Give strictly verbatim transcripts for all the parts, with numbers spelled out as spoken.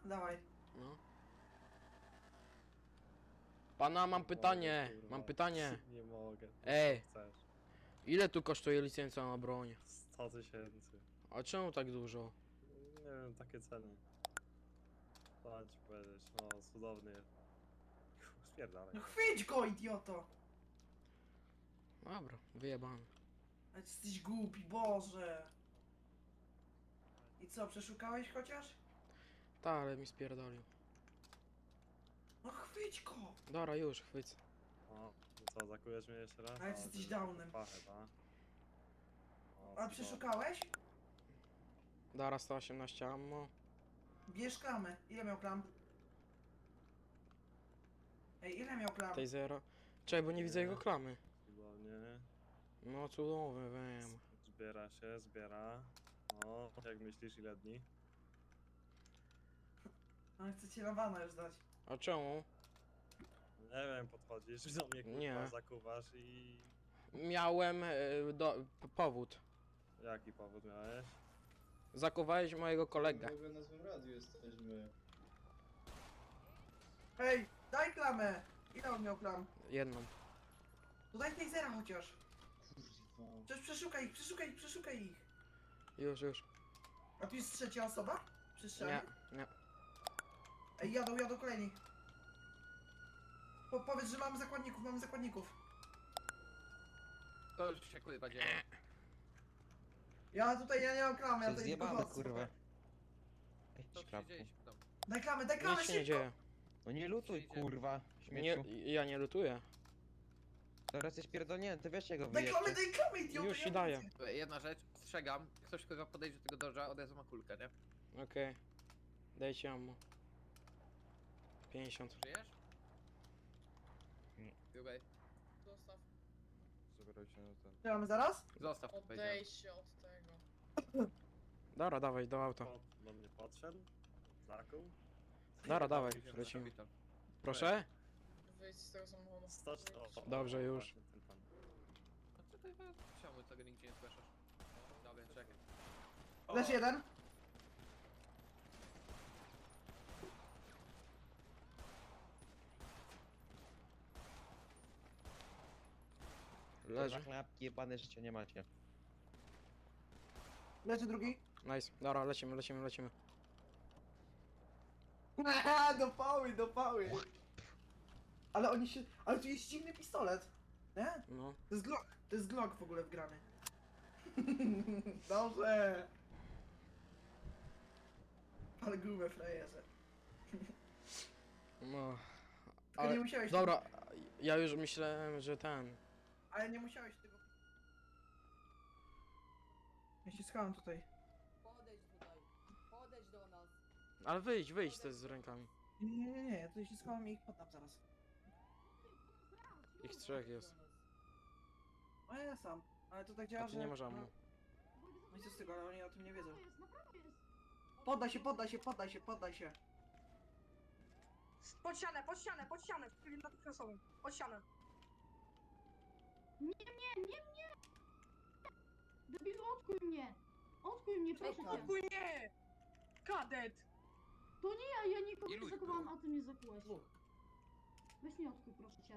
Dawaj. No. Pana, mam pytanie, Mogę, mam kurwa. pytanie. Nie mogę. Ej. Co chcesz? Ile tu kosztuje licencja na broń? sto tysięcy. A czemu tak dużo? Nie wiem, takie ceny. Co ci powiedzieć, no cudowny jest. Spierdalaj. No chwyć go, idioto! Dobra, wyjebany. Ale jesteś głupi, Boże! I co, przeszukałeś chociaż? Tak, ale mi spierdolił. No chwyć go! Dobra, już, chwyć. O, to co, zakujesz mnie jeszcze raz? Ale O, jesteś ty- downem. Pachę, ta. O, A przeszukałeś? Dobra, sto osiemnaście ammo. Bierz klamę. Ile miał klam? Ej, ile miał klam? Tej zero. Czekaj, bo nie widzę jego klamy. Cudownie. No cudowny, wiem. Zbiera się, zbiera. O, jak myślisz, ile dni? Ale chcę cię na wana już dać. A czemu? Nie wiem, podchodzisz do mnie, kurwa, Nie. zakuwasz i... Miałem e, do, p- powód. Jaki powód miałeś? Zakuwałeś mojego kolegę. W ogóle na złym radiu jesteśmy. Ej, daj klamę! Ile on miał klam? Jedną. To daj tej zera chociaż. Kurwa. Przecież przeszukaj ich, przeszukaj ich, przeszukaj ich. Już, już. A tu jest trzecia osoba? Przy strzelaniu? Nie, nie. Ej, jadą, jadą kolejni. Po, powiedz, że mamy zakładników, mamy zakładników. To już się kurwa dzieje. Ja tutaj, ja nie mam klamy, ja Się tutaj zjebane, tylko kurwa. chodzę. Ej, To się szklapku. dzieje się tam. Daj klamę, daj klamę, Nic się nie szybko! dzieje. No nie lutuj, Przyjdzie. kurwa, Nie, śmieciu. ja nie lutuję. Teraz jesteś pierdolnięty, wiesz czego Daj klamę, wyjeżdżasz. daj klamę, idioto! Już ja ci nie daję. widzę. Jedna rzecz, strzegam. Ktoś kurwa podejdzie do tego dodża, od razu ma kulkę, nie? Okej. Dajcie ammo. pięćdziesiąt. Żyjesz? Nie. Okej. Zostaw. Zabierajcie na ten. Strzelamy zaraz? Zostaw, powiedziałem. Odejdź się od tego. Dobra, dawaj do auta. Pod, do mnie podszedł? Zakuł? Dobra, dawaj, Kapitan. lecimy. Proszę? Wyjdź z tego samochodu. sto Wyjdź. Dobrze, już. Właśnie ten pan. A co ty czemu tego nigdzie nie słyszysz? Dobra, czekaj. Lecz jeden. Leży. Chlapki, jebane życie nie macie. Leży drugi. Nice. Dobra, lecimy, lecimy, lecimy. Haha, do pały, do pały. Ale oni się... Ale tu jest dziwny pistolet. Nie? No. To jest Glock. To jest Glock w ogóle wgrany. Dobrze. Ale grube frajerze. No. Tylko Ale, nie musiałeś... dobra, ja już myślałem, że ten. Ale nie musiałeś tego... Ja się schowam tutaj. Podejdź tutaj. Podejdź do nas. Ale wyjdź, wyjdź te z rękami. Nie, nie, nie, nie, ja tutaj się schowam i ich poddam zaraz. Ich trzech jest. No ja sam. Ale to tak A działa, ty że... nie masz ammo. No, no i co z tego, ale oni o tym nie wiedzą. Poddaj się, poddaj się, poddaj się, poddaj się. Pod ścianę, pod ścianę, pod ścianę, w trybie natychmiastowym. Pod ścianę. Debilu, odkuj mnie! Odkuj mnie, proszę cię! Odkuj nie! Kadet! To nie ja, ja nikogo Nie nie luj, zakowałam, kurwa. a ty mnie zakułeś. Dwóch. Weź mnie odkuj, proszę cię.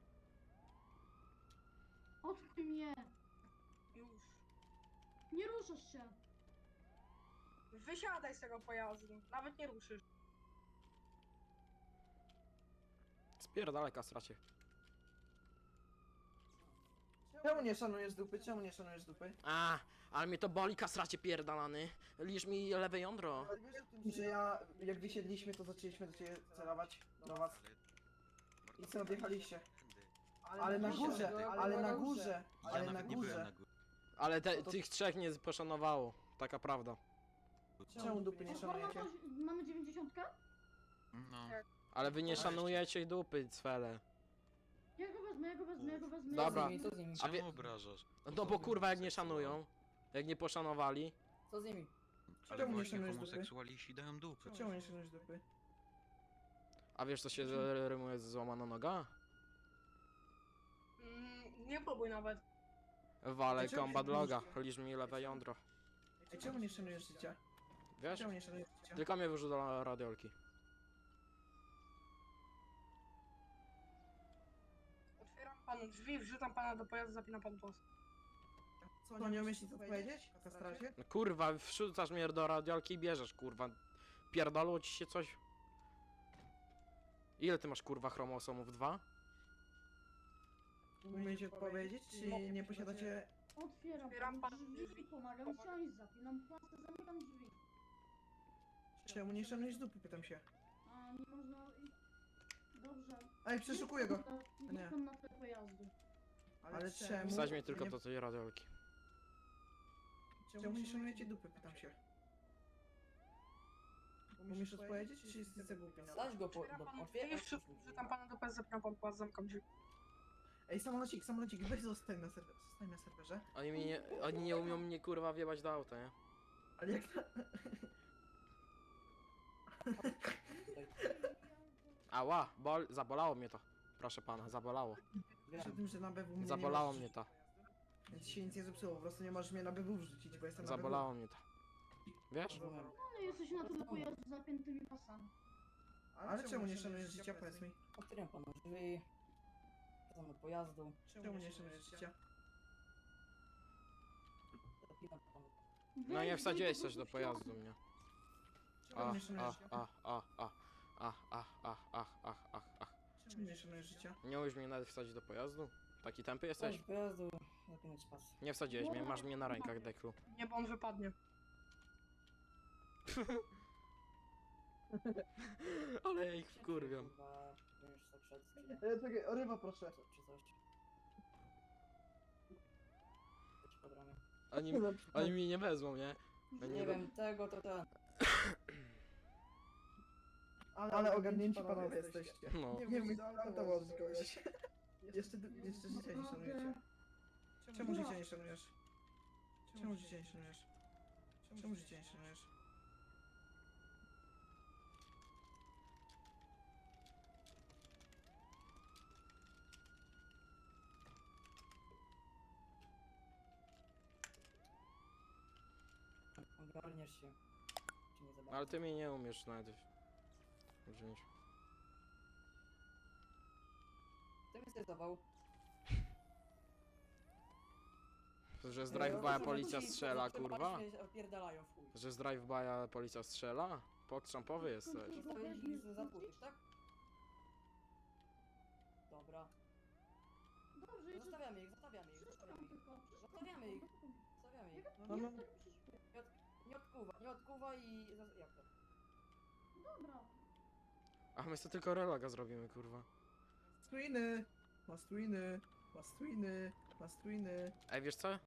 Odkuj mnie! Już. Nie ruszasz się! Wysiadaj z tego pojazdu. Nawet nie ruszysz. Spierdalaj, kastracie. Czemu nie szanujesz dupy? Czemu nie szanujesz dupy? A, ale mnie to boli, kastracie pierdalany. Liż mi lewe jądro. Ale wiesz o tym, że ja, jak wysiedliśmy, to zaczęliśmy do ciebie celować, do was. I co, odjechaliście? Ale na górze, ale na górze, ale na górze. Ale te, tych trzech nie poszanowało. Taka prawda. Czemu dupy nie O, kurwa, szanujecie? to- mamy dziewięćdziesiątkę? No. Ale wy nie szanujecie dupy, cwele. Ja go wezmę, ja go wezmę, ja go wezmę. Dobra. Co z nimi? A wie... obrażasz? No bo kurwa jak nie szanują. Jak nie poszanowali. Co z nimi? Czemu nie szanujesz dupy? homoseksualiści dają dupy. Czemu nie szanujesz dupy? A wiesz co się rymuje z złamana noga? Mm, nie próbuj nawet. Wale Dlaczego combat się loga. boicie? Liż mi lewe jądro. Ej, czemu nie szanujesz życia? Wiesz? Czemu nie szanujesz życia? Tylko mnie wyrzuca do radiolki. Otwieram panu drzwi, wrzucam pana do pojazdu, zapinam panu pas. Co, nie umiesz nic odpowiedzieć? W kastracie? No kurwa, wrzucasz mnie do radiolki i bierzesz, kurwa. Pierdolło ci się coś? Ile ty masz, kurwa, chromosomów? Dwa? Umiecie odpowiedzieć, czy nie posiadacie... Otwieram Otwieram panu panu drzwi, drzwi. pomagam siąść, zapinam pasy, zamykam drzwi. Czemu nie szanujesz dupy, pytam się. A nie można... i- Dobrze. Ej, przeszukuję go! Nie Nie. wchodź na te pojazdy. Ale czemu... Wsadź mnie tylko nie- do tej radiolki. Czemu nie szanujecie dupy, pytam się. Umiesz odpowiedzieć, czy jesteś za głupi na to? Stać go po... Otwieram Do, panu drzwi, otwieraj. wrzu- wrzucam pana do pojazdu, zapinam panu pas, zamykam drzwi. Ej, samolocik, samolocik, weź zostań na serwerze, zostań na serwerze. Oni, mi nie, oni nie umią mnie, kurwa, wjebać do auta, nie? Ale jak na... Ała, bol, zabolało mnie to. Proszę pana, zabolało. Wiesz o tym, że na B W mnie Zabolało nie mnie możesz to. wrzucić. Więc się nic nie zepsuło, po prostu nie możesz mnie na B W wrzucić, bo jestem na Zabolało mnie to. Wiesz? B W. Dobra. No jesteś na tyle pojazdu z zapiętymi pasami. Ale czemu nie szanujesz życia, powiedz mi? Otwieram panu drzwi. Wracam do pojazdu. Czemu nie szanujesz życia? Zapinam panu. No nie Weź, wsadziłeś weź coś do po pojazdu prostu mnie. Czemu Ach, nie szanujesz ach, życia? ach, ach, ach, ach, ach, ach, ach, ach, ach, ach. Czemu nie szanujesz życia? Nie umiesz mnie nawet wsadzić do pojazdu? Taki tępy Wchodź jesteś? do pojazdu, zapinać pas. Nie wsadziłeś mnie, masz mnie na rękach, deklu. Nie, bo on wypadnie. Ale ich wkurwiam. Kurwa, będziesz tak szedł, czy nie? E, czekaj, o ryba proszę. Co- Czy coś? Coś pod ramię. Oni, oni mi nie wezmą, nie? Oni Nie we- wiem, tego to ten. Ale, ale ogarnięci panowie jesteście. No. Nie wiem, to było kogoś. Jeszcze, jeszcze życia nie szanujecie. Czemu życia nie szanujesz? Czemu życia nie szanujesz? Czemu życia nie szanujesz? Ogarniesz się. Czy nie za bardzo? Ale ty mnie nie umiesz nawet wziąć. Kto mnie stresował? Że z E, drive-by'a to policja ci- strzela, to kurwa? się opierdalają w chuj. Że z drive-by'a policja strzela? Pokrzampowy jesteś. Zostawić ich za zapłucić, tak? Dobra. Dobrze, jeszcze... Zostawiamy ich, zostawiamy ich, zostawiamy ich. tylko. Zostawiamy ich. Zostawiamy ich. No, no. Jak tak przyszło? Nie odkuwa, nie odkuwa i... zas- Jak to? Dobra. A my sobie tylko reloga zrobimy, kurwa. Twiny! Masz twiny! Masz twiny! Masz twiny! Ej, wiesz co?